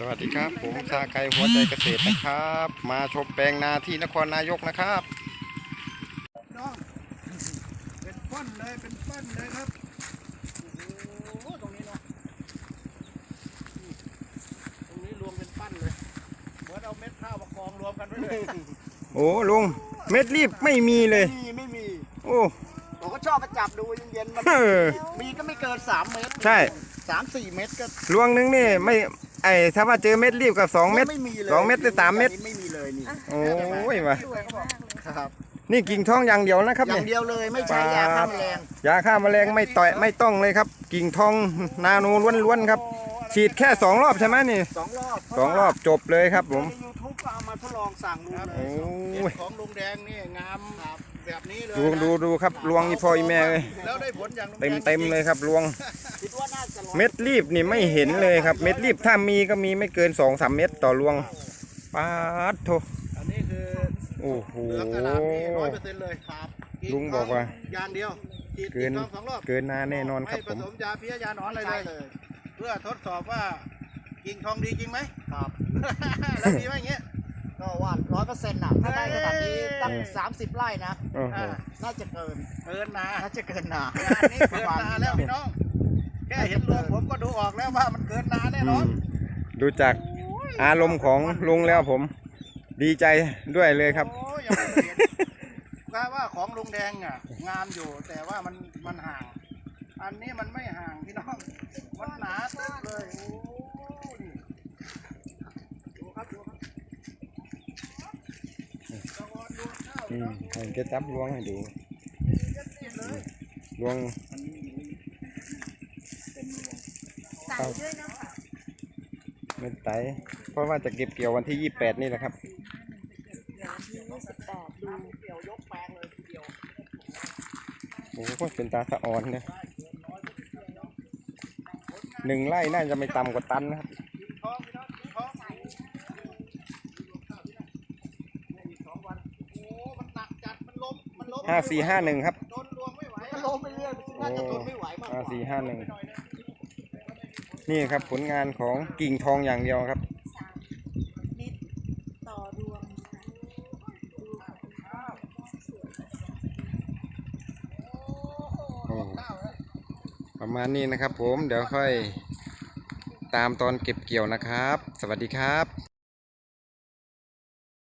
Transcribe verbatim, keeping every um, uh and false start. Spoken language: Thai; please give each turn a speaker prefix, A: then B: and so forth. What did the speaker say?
A: สวัสดีครับผมชาไก่หัวใจเกษตรนะครับมาชมแปลงนาที่นครนายกนะครับ
B: น้องเป็นป้นเลยเป็นป้นเลยครับโอ้โหตรงนี้เนาะตรงนี้รวมเป็นปั้นเลยเหมือนเอาเม็ดข้าวมากองรวมกันไว้เลย
A: โอ้ลุงเม็ดรีบไม่มีเลย
B: ไม่มีไม่มี
A: โอ้
B: ผมก็ชอบมาจับดูเย็นๆมัน
A: เออ
B: มีก็ไม่เกินสามเมตร
A: ใช่
B: สามสี่เมตรก็
A: ลวงนึงนี่ไม่ไอ้ถ้าว่าเจอเม็ดรีบกับสองเม็ด
B: ไม่มีเลย
A: สองเม็ดหรือสามเม็ด
B: ไม่มีเลยนี่
A: โอ้ยมา
B: สวยเขาบอกครับ
A: นี่กิ่งทองอย่างเดียวนะครับ
B: อย่า
A: เนี่
B: ง
A: ย
B: เดียวเลยไม่ใช้ยาฆ่าแมลง
A: ยาฆ่าแมลงไม่ต่อยไม่ต้องเลยครับ กิ่งทองนาโนล้วนๆครับฉีดแค่สองรอบใช่ไหมนี่
B: สองรอบ
A: สองรอบจบเลยครับผม
B: ในยูทูบก็เอามาทดลองสั่งดูเลย
A: โอ้ย
B: ของลุงแดงนี่งามแบบนี้เลย
A: ดูดูดูครับลวงนี่พ่ออีแม่เลย
B: แล้วได้ผลอย่างลุงแด
A: เต็
B: ง
A: มเต็มเลยครับลวง
B: คิดว่าน่าจะร้อย
A: เม็ดรีบนี่ไม่เห็นเลยครับ เม็ดรีบถ้ามีก็มีไม่เกินสองสามเม็ดต่อรวงปาดโถ
B: อันนี้คือ
A: โอ้โห
B: เหลืองกระดาษนี่ร้อยเปอร์เซ็นต์เลยครับ
A: ลุงบอกว่า
B: อย่างเดียวฉีด
A: เกิน
B: สองสองรอบ
A: เกินนาแน่นอนครับ
B: ไม่
A: ผ
B: ผม สมยาเพี้ยยาหนอนอะไรเลย เพื่อทดสอบว่ากิ่งทองดีจริงไหมครับ แล้วดีไหมอย่างเงี้ย
C: ก็ว่าร้อยเปอร์เซ็นต์น่ะถ้าได้ขนาดนี้ตั้งสามสิบไร่นะ
A: โอ้โห
B: อ่า
C: น่าจะเกิน
B: เกินนา
C: น่าจะเกินนา
B: งานนี้เกินนาแล้วพี่น้อง แค่เห็นรวมผมก็ดูออกแล้วว่ามันเกินนาแน่นอน
A: ดูจากอารมณ์ของลุงแล้วผม ดีใจด้วยเลยครับ
B: โอ้ยยังไม่เห็นกาว่าของลุงแดงอ่ะงามอยู่แต่ว่ามันมันห่าง อันนี้มันไม่ห่างพี่น้องมันหนาตึ๊บเลยโอ้นี่ดูครับดูครับตะวันดูข้าว
A: อืมผมจะจับลวงให้ดู
B: เย็นๆเลย
A: ลวง
D: ใส่ด้วยนะคะ
A: เม็ดไตเพราะว่าจะเก็บเกี่ยววันที่ยี่สิบแปดนี่แหละครับ
D: เดี๋ยววันที่ยี่สิบแปดดู
B: เกี่ยวยกแปลงเลยทีเดียว
A: โอ้โหเป็นตาสะออนเนี่ยหนึ่งไร่น่าจะไม่ต่ำกว่าตันนะครับ
B: ทองพี่น้องทองอีกสองวันโอ้มันหนักจัดมันล้มมันล้ม
A: ห้าสี่ห้าหนึ่งครับ
B: โดนรวมไม่ไหว
C: ก็ล้มไปเรื่อยน่าจะทนไม่ไหวมากก
A: ห้า
C: ว่า
A: สี่ห้าหนึ่งนี่ครับผลงานของกิ่งทองอย่างเดียวครับ
D: สามเม็ดต่อรวมนะคะดูค่ะ
A: โอ้ประมาณนี้นะครับผมเดี๋ยวค่อยตามตอนเก็บเกี่ยวนะครับ สวัสดีครับ